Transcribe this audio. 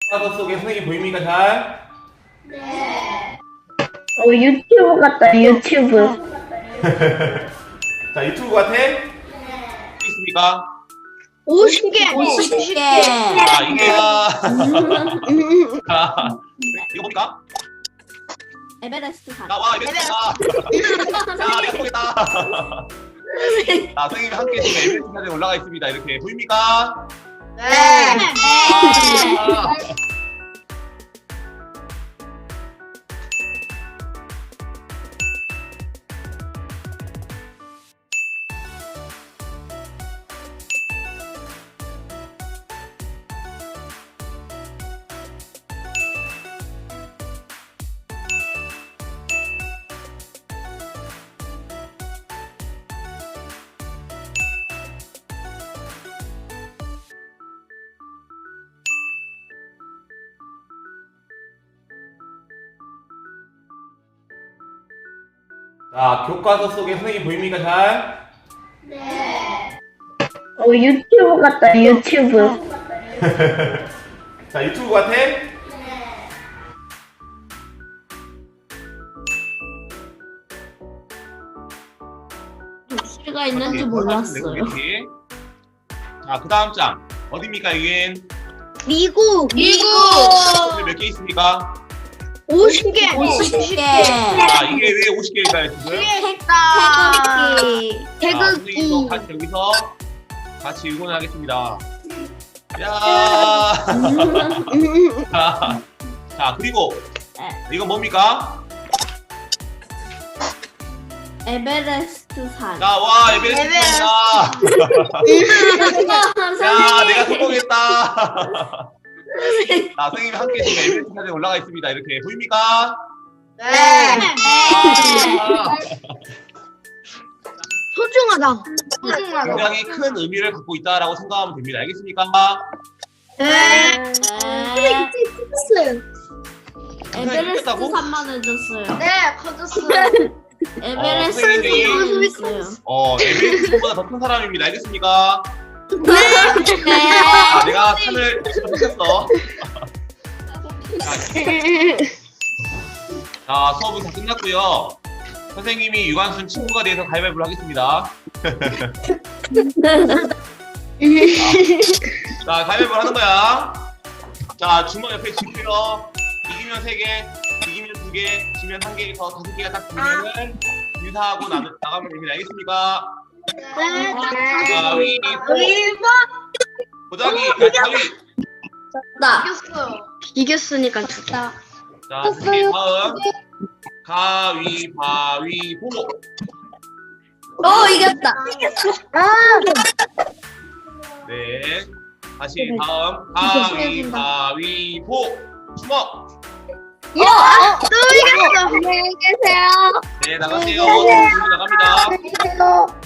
교과서 속에 선생님 보입니까 잘? 네. 유튜브 같다, 유튜브. 자 유튜브 같아? 네. 있습니까? 50개. 50개. 자 이게가 자 이거 뭡니까? 에베레스트 산. 나와 이랬다. 자 내가 보겠다. 자 선생님이 함께 지금 에베레스트 산에 올라가 있습니다. 이렇게 보입니까? 네. 아, 자 교과서 속에 선생님 보입니까 잘? 네. 유튜브 같다, 유튜브. 자 유튜브 같아? 독실가 있는지 몰랐어요. 자, 그 다음 장. 어디입니까, 이게? 미국. 몇 개 있습니까? 50개. 50개. 자, 이게 왜 50개일까요, 지금? 태극기. 자, 선생님도 같이 여기서 같이 응원하겠습니다. 야 자, 그리고 이건 뭡니까? 에베레스트 산. 자, 와, 에베레스트입니다. 야, 내가 성공했다. 자, 선생님이 함께 지금 에베레스트 산에 올라가 있습니다. 이렇게 보입니까? 네. 아, 소중하다. 굉장히 큰 의미를 갖고 있다라고 생각하면 됩니다. 알겠습니까? 네. 네. 에베레스트 이겼다고? 산만 해줬어요. 네, 커졌어요. 에베레스트 선생님이 산만 해줬어요. 에베레스트보다 더 큰 사람입니다. 알겠습니까? 네. 아, 내가 산을 지켰어. 자, 수업은 다 끝났고요. 선생님이 유관순 친구가 돼서 가위바위보를 하겠습니다. 자, 가위바위보를 하는 거야. 자, 주먹 옆에 쥐고요. 이기면 3개, 이기면 2개, 지면 1개에서 5개가 딱 되면은 인사하고 나가면 됩니다. 알겠습니까? 가위바위보. 보자기, 가위. 나. 이겼으니까 좋다. 자, 선생님 다음. 가위바위보. 이겼다. 네. 다시 다음. 가위바위보. 주먹. 또 이겼어. 안녕히 계세요. 네, 나가세요. 나갑니다.